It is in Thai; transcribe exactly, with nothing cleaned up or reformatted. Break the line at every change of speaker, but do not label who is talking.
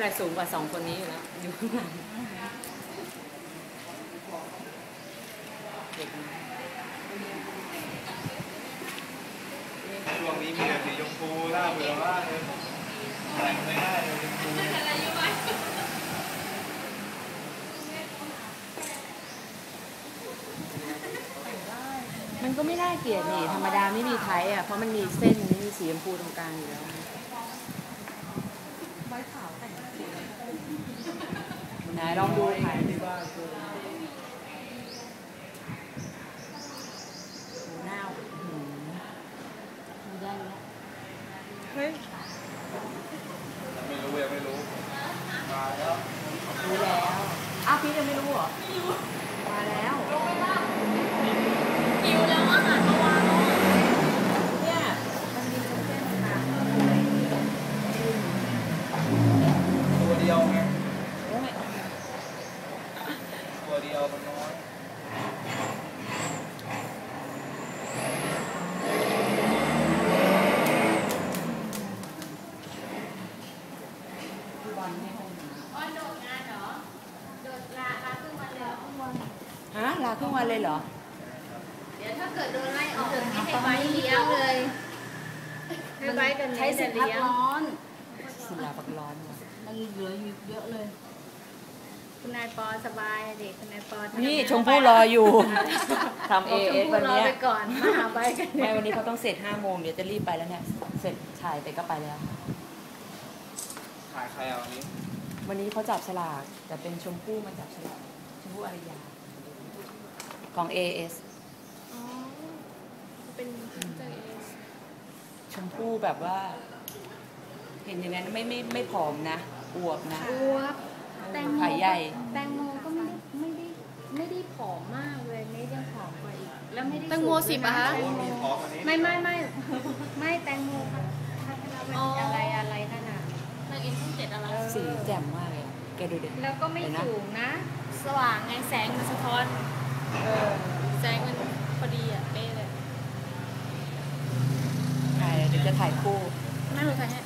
อะไรสูงกว่าสองคนนี้อยู่แล้วอยู่ข้างหลังเด็ก
ช่วงนี้มีแต่สีชมพูน่าเบื่อมากเลยแต่งไม่ได้เลยชมพู
มันก็ไม่น่าเกลียดนี่ธรรมดาไม่มีไทยอ่ะเพราะมันมีเส้นไม่มีสีชมพูตรงกลางอยู่แล้วไหนลองดูถ่ายที่บ้านหน้าไม่ได้แล้วเฮ้ย
ไม่รู้ยังไม่รู้มาแล้ว
รู้แล้วอ้าวพี่ยังไม่รู้เหรอไม่รู้มาแล้ว
หิวแล้วอาหารเมื่อวาน
เนี่ยมันมีเส้นๆค่ะ
ตัวเดียวไงตัวเดียวมันน้อย
ฮะลาครึ่งวันเลยเหรอ
เดี๋ยวถ้าเกิดโดนไล่ออกไม่ให้ใบเลี้ยงเลยให้ใบกันใช้สิทธิ์พักร้อน
สิลาพักร้อน
มันเหลืออยู่เยอะเลยคุณนายปอสบายเด็กคุณนายปอ
นี่ชมพู่รออยู่ทำเอเอสวันนี้
ไปก่อนมาหาใบกัน
ไม่วันนี้เขาต้องเสร็จห้าโมงเดี๋ยวจะรีบไปแล้วเนี่ยเสร็จถ่ายไปก็ไปแล้ว
ถ่ายใครเอาวันนี้
วันนี้เขาจับฉลากแต่เป็นชมพู่มาจับฉลากชมพู่อารยาของ เอ เอส
อ๋อเป็นเจอ เอ เอส
ชมพู่แบบว่าเห็นอย่างนั้นไม่ไม่ไม่ผอมนะอวบนะ
อวบแตงโม
ขาใหญ่
แตงโมก็ไม่ได้ไม่ได้ไม่ได้ผอมมากเลยไม่ได้ผอมกว่าอีกแล้วไม่ได้
แตงโมสิบอะคะ
ไม่ไม่ไม่ไม่แตงโมพัฒนาเป็นอะไรอะไรขนาด
นางเอ็นช่องเจ็ดอะไร
สีแจ่มมากเลยแกดูดิ
แล้วก็ไม่สูงนะ
สว่างไงแสงมันสะท้อนเออแสงมันพอดีอ่ะเป๊ะเลย
ถ่ายเดี๋ยวจะถ่ายคู่
นั่งรถไฟให้